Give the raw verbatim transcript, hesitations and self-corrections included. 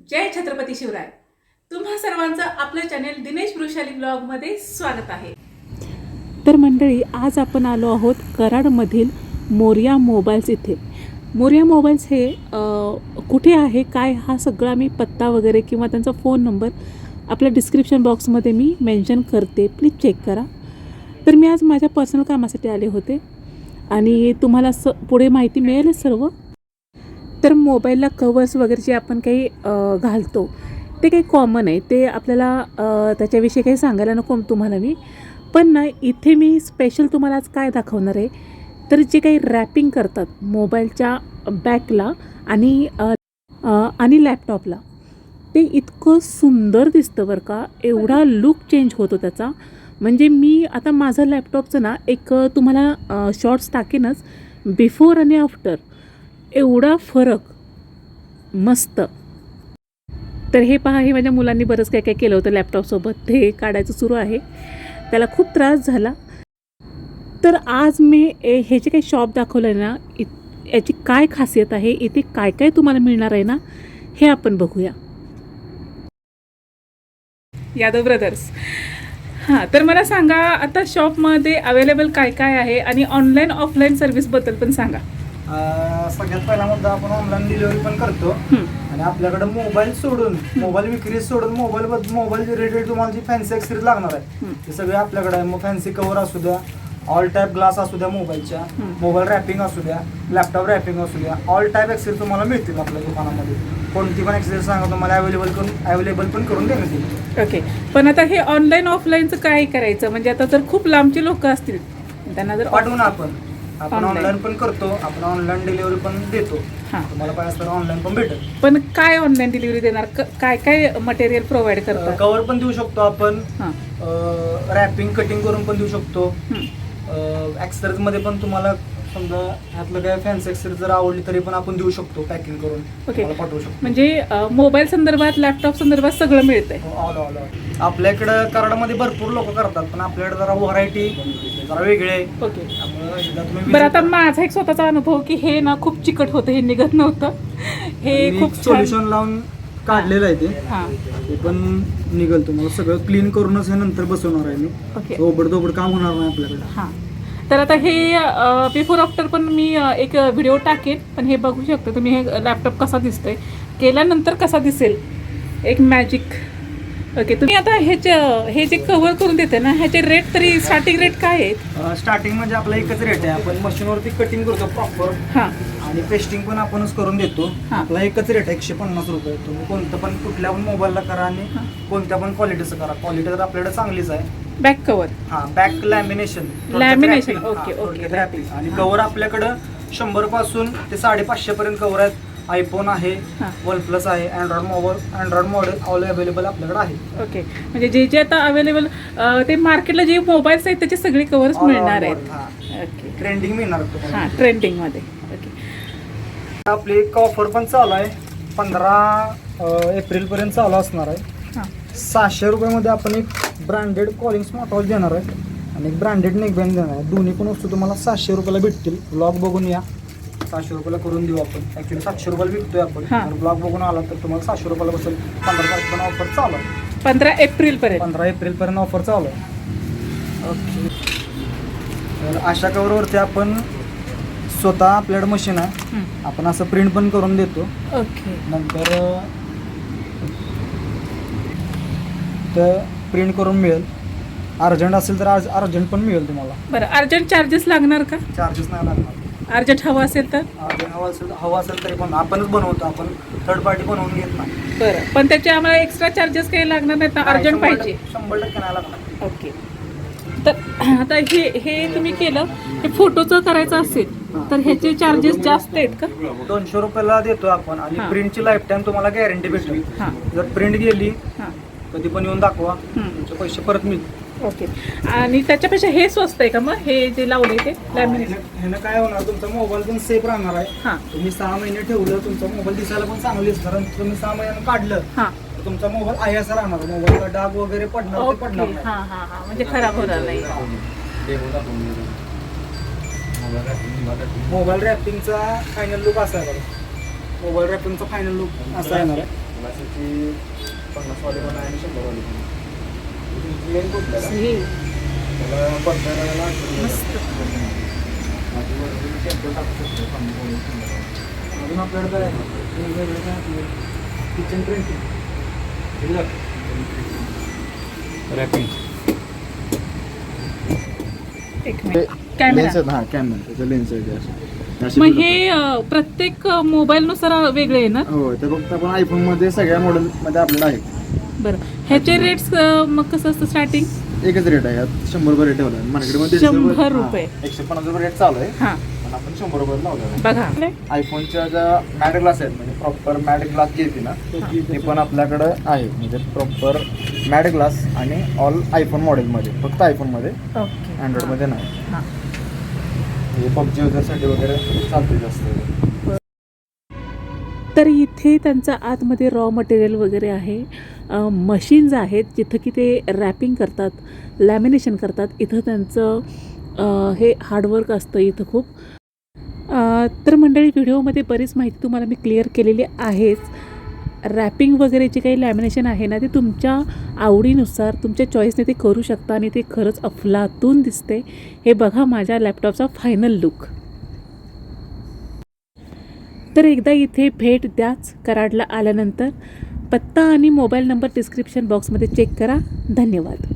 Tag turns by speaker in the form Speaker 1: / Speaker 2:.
Speaker 1: जय छत्रपती शिवराय. तुम्हा सर्वांचं आपलं चॅनेल दिनेश वृषाली ब्लॉगमध्ये स्वागत आहे.
Speaker 2: तर मंडळी, आज आपण आलो आहोत कराडमधील मोरया मोबाईल्स इथे. मोरया मोबाईल्स हे अ, कुठे आहे काय हा सगळा मी पत्ता वगैरे किंवा त्यांचा फोन नंबर आपल्या डिस्क्रिप्शन बॉक्समध्ये मी मेन्शन करते, प्लीज चेक करा. तर मी आज माझ्या पर्सनल कामासाठी आले होते आणि तुम्हाला स पुढे माहिती मिळेलच सर्व. तर मोबाईलला कवर्स वगैरे जे आपण काही अ, घालतो ते काही कॉमन आहे, ते आपल्याला अ, त्याच्याविषयी काही सांगायला नको तुम्हाला मी. पण ना इथे मी स्पेशल तुम्हाला आज काय दाखवणार आहे, तर जे काही रॅपिंग करतात मोबाईलच्या बॅकला आणि अ, अ, आणि लॅपटॉपला, ते इतकं सुंदर दिसतं बरं का. एवढा लुक चेंज होतो त्याचा. म्हणजे मी आता माझं लॅपटॉपचं ना एक तुम्हाला शॉर्ट्स टाकेनच, बिफोर आणि आफ्टर एवढा फरक मस्त. तर हे पहा, हे माझ्या मुलांनी बरंच काय काय केलं होतं लॅपटॉपसोबत, ते काढायचं सुरू आहे. त्याला खूप त्रास झाला. तर आज मी ए हे जे काही शॉप दाखवलं आहे ना, इ याची काय खासियत आहे, इथे काय काय तुम्हाला मिळणार आहे ना, हे आपण बघूया.
Speaker 1: यादव ब्रदर्स. हां, तर मला सांगा आता शॉपमध्ये अवेलेबल काय काय आहे आणि ऑनलाईन ऑफलाईन सर्व्हिसबद्दल पण सांगा.
Speaker 3: अं, सगळ्यात पहिला मुद्दा, आपण ऑनलाईन डिलिव्हरी पण करतो.
Speaker 1: हं.
Speaker 3: आणि आपल्याकडे मोबाईल सोडून, मोबाईल विक्री सोडून, मोबाईल मोबाईल रिलेटेड तुम्हाला जी फॅन्सी ॲक्सेसरीज लागणार आहे
Speaker 1: हं.
Speaker 3: ते सगळे आपल्याकडे आहे. मग फॅन्सी कव्हर असू द्या, ऑल टाईप ग्लास असू द्या मोबाईलच्या,
Speaker 1: हं.
Speaker 3: मोबाईल रॅपिंग असू द्या, लॅपटॉप रॅपिंग असू द्या, ऑल टाईप ॲक्सेसरीज तुम्हाला मिळतील आपल्या दुकानामध्ये. कोणती पण ॲक्सेसरीज सांगा, तुम्हाला अवेलेबल करून अवेलेबल पण करून देण्यात येईल.
Speaker 1: ओके, पण आता हे ऑनलाईन ऑफलाईनचं काय करायचं, म्हणजे आता जर खूप लांबचे लोक असतील त्यांना जर
Speaker 3: पाठवून आपण आपण
Speaker 1: Online.
Speaker 3: ऑनलाईन पण करतो, आपण ऑनलाईन डिलिव्हरी पण देतो.
Speaker 1: हां.
Speaker 3: तुम्हाला पाहिजे तर ऑनलाईन पण भेटेल.
Speaker 1: पण काय ऑनलाईन डिलिव्हरी देणार, क- काय काय मटेरियल प्रोव्हाइड करतात?
Speaker 3: कव्हर पण देऊ शकतो आपण,
Speaker 1: हां.
Speaker 3: रॅपिंग कटिंग करून पण देऊ शकतो.
Speaker 1: हं.
Speaker 3: ॲक्सेसरीज मध्ये पण तुम्हाला समजा ह्यातलं काय फॅन्सी ॲक्सेसरीज जर आवडली तरी पण आपण देऊ शकतो, पॅकिंग करून
Speaker 1: ओके.
Speaker 3: तुम्हाला पाठवू शकतो.
Speaker 1: म्हणजे मोबाईल संदर्भात, लॅपटॉप संदर्भात सगळं मिळतंय.
Speaker 3: ऑल ऑल ऑल आपल्याकडं कराडमध्ये भरपूर लोक करतात, पण आपल्याकडे जरा व्हरायटी जरा वेगळे आहे.
Speaker 1: ओके.
Speaker 3: त्यामुळं एकदा तुम्ही
Speaker 1: बरं, आता माझा एक स्वतःचा अनुभव की हे ना खूप चिकट होतं, हे निघत नव्हतं. हे खूप छान.
Speaker 3: सोल्युशन लावून काढलेलं आहे ते
Speaker 1: हां.
Speaker 3: ते पण निघल. तुम्हाला सगळं क्लीन करूनच हे नंतर बसवणार आहे मी.
Speaker 1: ओके.
Speaker 3: ओबड दोबड काम होणार नाही आपल्याकडे.
Speaker 1: हां, तर आता हे बिफोर आफ्टर पण मी अ, एक व्हिडिओ टाकेन, पण हे बघू शकता तुम्ही हे लॅपटॉप कसा दिसतोय, केल्यानंतर कसा दिसेल, एक मॅजिक. ओके, तुम्ही आता ह्याच्या हे जे कव्हर करून देते ना, ह्याचे रेट तरी स्टार्टिंग रेट काय आहेत?
Speaker 3: स्टार्टिंग म्हणजे आपला एकच रेट आहे. आपण मशीनवरती कटिंग करतो प्रॉपर,
Speaker 1: हां.
Speaker 3: आणि पेस्टिंग पण आपणच करून देतो.
Speaker 1: हां.
Speaker 3: आपला एकच रेट आहे, एकशे पन्नास रुपये. तुम्ही कोणतं पण कुठल्या पण मोबाईलला करा आणि
Speaker 1: हां.
Speaker 3: कोणत्या पण क्वालिटीचं करा. क्वालिटी तर आपल्याकडे चांगलीच आहे.
Speaker 1: Back cover.
Speaker 3: हा, back lamination.
Speaker 1: Lamination, okay, okay.
Speaker 3: आणि कव्हर आपल्याकडं शंभर पासून ते साडेपाचशे पर्यंत कव्हर आहेत. आयफोन आहे,
Speaker 1: हां.
Speaker 3: वन प्लस आहे, Android mobile Android model all available आपल्याकडे आहे.
Speaker 1: ओके, म्हणजे जे जे आता अवेलेबल ते मार्केटला जे मोबाईल्स आहेत त्याचे सगळे कव्हर्स मिळणार आहेत. ओके.
Speaker 3: ट्रेंडिंग मिळणार तुम्हाला.
Speaker 1: हां, ट्रेंडिंगमध्ये. ओके.
Speaker 3: आपली एक ऑफर पण चालू आहे, पंधरा एप्रिल पर्यंत चालू असणार आहे.
Speaker 1: हां.
Speaker 3: सहाशे रुपयामध्ये आपण एक ब्रँडेड कॉलिंग स्मार्टवॉच देणार आहे आणि एक ब्रँडेड नेकबँड देणार आहे. दोन्ही पण वस्तू तुम्हाला सहाशे रुपयाला भेटतील. ब्लॉग बघून या, सहाशे रुपयाला करून देऊ आपण. ॲक्च्युली सातशे रुपयाला विकतोय आपण.
Speaker 1: हां.
Speaker 3: जर ब्लॉग बघून आला तर तुम्हाला सहाशे रुपयाला बसेल. पंधरा तारखेपर्यंत ऑफर चालू आहे.
Speaker 1: पंधरा एप्रिल पर्यंत.
Speaker 3: पंधरा एप्रिलपर्यंत ऑफर चालू आहे.
Speaker 1: ओके.
Speaker 3: तर अशा कवरवरती आपण स्वतः आपल्याकडे मशीन आहे,
Speaker 1: हं.
Speaker 3: आपण असं प्रिंट पण करून देतो.
Speaker 1: ओके.
Speaker 3: नंतर तर प्रिंट करून मिळेल. अर्जंट असेल तर आज अर्जंट पण मिळेल तुम्हाला.
Speaker 1: बरं, अर्जंट चार्जेस लागणार का?
Speaker 3: चार्जेस नाही लागणार.
Speaker 1: अर्जंट हवं असेल तर?
Speaker 3: अर्जंट हवा असेल हवा असेल तरी पण आपणच बनवतो, आपण थर्ड पार्टी बनवून घेत नाही.
Speaker 1: बरं, पण त्याचे आम्हाला एक्स्ट्रा चार्जेस काही लागणार नाहीत ना? अर्जंट
Speaker 3: शंभर
Speaker 1: पाहिजे.
Speaker 3: टक्के- शंभर टक्के नाही लागणार.
Speaker 1: ओके. तर आता हे हे तुम्ही केलं, हे फोटोचं करायचं असेल तर ह्याचे चार्जेस जास्त आहेत का?
Speaker 3: दोनशे रुपयाला देतो आपण आणि
Speaker 1: हां.
Speaker 3: प्रिंटची लाईफ टाईम तुम्हाला गॅरंटी भेटेल.
Speaker 1: हां.
Speaker 3: जर प्रिंट गेली
Speaker 1: हां.
Speaker 3: कधी पण येऊन दाखवा,
Speaker 1: हं.
Speaker 3: तुमचे पैसे परत मिळतील.
Speaker 1: ओके. आणि त्याच्यापेक्षा हे स्वस्त आहे का मग, हे जे लावले ते लॅमिनेशन?
Speaker 3: ह्यानं काय होणार, तुमचा मोबाईल पण सेफ राहणार आहे.
Speaker 1: हां.
Speaker 3: तुम्ही सहा महिने ठेवलं, तुमचा मोबाईल दिसायला पण चांगली असणार. आणि तुम्ही सहा महिन्यानं काढलं
Speaker 1: हां.
Speaker 3: तर तुमचा मोबाईल आहे असा राहणार. मोबाईलला डाग वगैरे पडणार ते
Speaker 1: ओके.
Speaker 3: पडणार नाही.
Speaker 1: हां हां हां, म्हणजे खराब होणार नाही.
Speaker 3: मोबाईल रॅपिंगचा फायनल लुक असा आहे बघा. मोबाईल रॅपिंगचा फायनल लुक असा येणार आहे. ग्लासाची पन्नासवाली पण आहे आणि शंभरवाली पण आहे. तुमची मेन कुठल्या का?
Speaker 1: हे
Speaker 3: त्याला पत्त्याला
Speaker 1: मस्त.
Speaker 3: टेम्पल टाकू शकतो पन्नासवाली शंभरवाली. अजून आपल्याकडे काय आहे वेगवेगळे काय आपलं किचन प्रिंटिंग रॅपिंग
Speaker 1: एक मिनिट कॅमेरा.
Speaker 3: हां कॅमेरा त्याचं लेन्स आहे ते असं असे
Speaker 1: मग
Speaker 3: build
Speaker 1: हे अ, प्रत्येक मोबाईल नुसार वेगळे आहे ना?
Speaker 3: होतात. हो ते फक्त आपण आयफोनमध्ये सगळ्या मॉडेलमध्ये आपल्याला आहे.
Speaker 1: बरं ह्याचे रेट्स मग कसं असतं स्टार्टिंग?
Speaker 3: एकच रेट आहे यात शंभर रुपये रेट ठेवला आहे मार्केटमध्ये
Speaker 1: शंभर रुपये.
Speaker 3: एकशे पन्नास रुपये रेट चालू आहे
Speaker 1: हां
Speaker 3: पण आपण शंभर रुपये लावलेला आहे.
Speaker 1: बघा
Speaker 3: आयफोनच्या ज्या मॅट ग्लास आहेत म्हणजे प्रॉपर मॅट ग्लास जी येते ना ते पण आपल्याकडं आहे म्हणजे प्रॉपर मॅट ग्लास आणि ऑल आयफोन मॉडेलमध्ये फक्त आयफोनमध्ये
Speaker 1: ओके
Speaker 3: अँड्रॉइडमध्ये नाही.
Speaker 1: हां
Speaker 3: हे पबजी युजरसाठी वगैरे चालते जास्त.
Speaker 2: तर इथे त्यांचं आतमध्ये रॉ मटेरियल वगैरे आहे, मशीन्स आहेत जिथं की ते रॅपिंग करतात, लॅमिनेशन करतात. इथं त्यांचं अ, हे हार्डवर्क असतं इथं खूप. अ, तर मंडळी व्हिडिओमध्ये बरीच माहिती तुम्हाला मी क्लिअर केलेली आहेच. रॅपिंग वगैरे जे काही लॅमिनेशन आहे ना ते तुमच्या आवडीनुसार तुमच्या चॉईसने ते करू शकता आणि ते खरंच अफलातून दिसते. हे बघा माझ्या लॅपटॉपचा फायनल लुक. तर एकदा इथे भेट द्याच कराडला आल्यानंतर. पत्ता आणि मोबाईल नंबर डिस्क्रिप्शन बॉक्समध्ये चेक करा. धन्यवाद.